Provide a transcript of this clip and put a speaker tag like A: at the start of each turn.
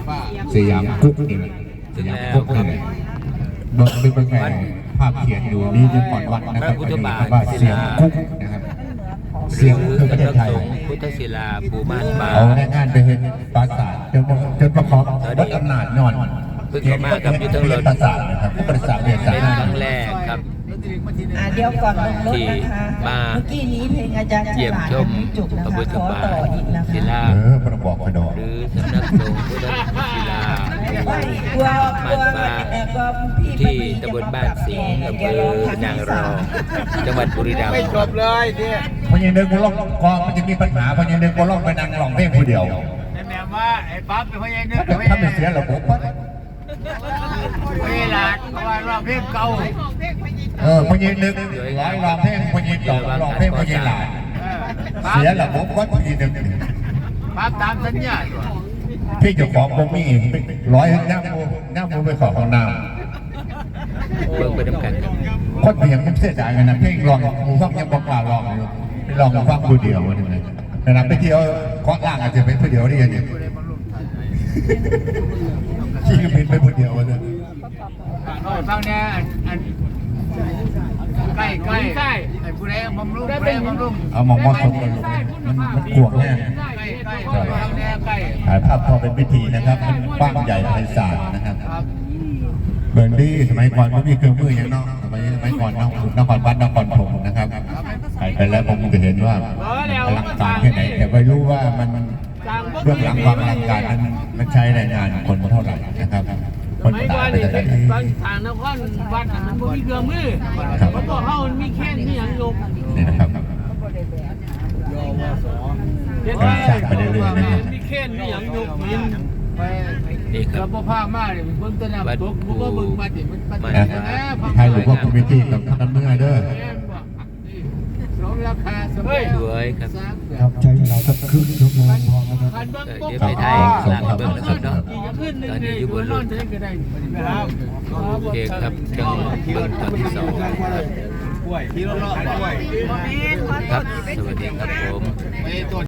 A: สยามกุ๊กนี่แหละสยามกุ๊กนี่แหละเบิ่งเป็นไงภาพเขียนอยู่นี่จะก่อนวัดนะครับก็จะมีคำว่าเสียงกุ๊กนะครับเสียงคือประเทศไทย
B: พุทธศิลาปูม่านป่า
A: เอาแรงงานไปเห็นปราสาทจนประกอบวัดอำนาจนอน
B: เพิ่งเข้ามากับยุทธรถ
A: ปราสาทนะครับปราสาทเรียนสา
B: เป็น
A: ม
B: ครั้งแรกครับ
C: เดี๋ยวก่อนลงรถนะคะเมื่อกี้นี้เพลงอาจารย์
B: เยี่ยมชมพระพุทธบาทศิลา
A: ประบอกกระดอก
B: หรือสำนักสงฆ์พุทธศิลาที่ตำบลบ้านสิงห์อำเภอนางรองจังหวัดบุรีรัมย์
D: ไม่จบเลยเนี่ย
A: พอยังเดินกูล่องกองมันจะมีปัญหาพอยังเดินกูล่องไปนั่งร้องเพลงคนเดียว
D: แม่ว่าไอ้ปั๊บเป็นพยานเนื้อ
A: ถ้าไม่เสียระบบ
D: เวลาเพราะว่ารอบเพลงเก่า
A: พอยังนึกร้อยร้องเพลงพอยังร้องเพลงพอยังหลายเสียระบบก็พอยังนึก
D: ปั๊บตามสัญญา
A: พี่เจ้าของผมมีร้อยน้ำมูไปขอของน้ำ
B: เบิ่งไปด้วยกัน
A: คนเพียงมันเสียดายกันนะเพลงร้องมูฟังยังบอกกล่าวร้องอยู่ลองฟังดูเดียววันนี้นะไปเที่ยวเกาะล่างอาจจะเป็นผู้เดียวได้ยังไงขี้ก็เป็นไปผู้เดียวเลย
D: ฟังเนี่ยใกล้ไอ้ผู้ใดบำรุง
A: เอามองมอสมกันมันกวงแน่ถ่ายภาพพอเป็นพิธีนะครับมันกว้างใหญ่ไพศาลนะครับเบอร์ดี้สมัยก่อนไม่มีเครื่องมืออย่างนอกสมัยก่อนนครวัดนครธมนะครับไปแล้วผมจะเห็นว่าอลังการแค่ไหนแต่ไม่รู้ว่ามันเบื้องหลังความอลังการนั้นมันใช้แรงงานคนเท่าไหร่นะครับคนตายไปแต่ไหน
E: ทางนครวัดมันมีเครื่องมือเพราะตัวเขามันมีแค่นี้อย่างยก
A: นี่นะครับการสร้างไปเรื่อยๆนะครับ
E: มีแค่นี้อย่างยก
B: นี่ครับ
D: เราผ้ามากเลยเบื้องต้นตกมันก็บึงมาดิมัน
A: ใครหรือว่าคุณวิธีกับท่านเมื่อเด้อ
D: ราคาสวย
A: ครับใช้เวลาสักครึ่งชั่วโมงพอนะครับ
B: เดี๋ยวไปไทยหลังเบิ่งนะครับเนาะตอนนี้อยู่บนรถโอเคครับจังเบิ่งตอนที่สองครับสวัสดีครับผม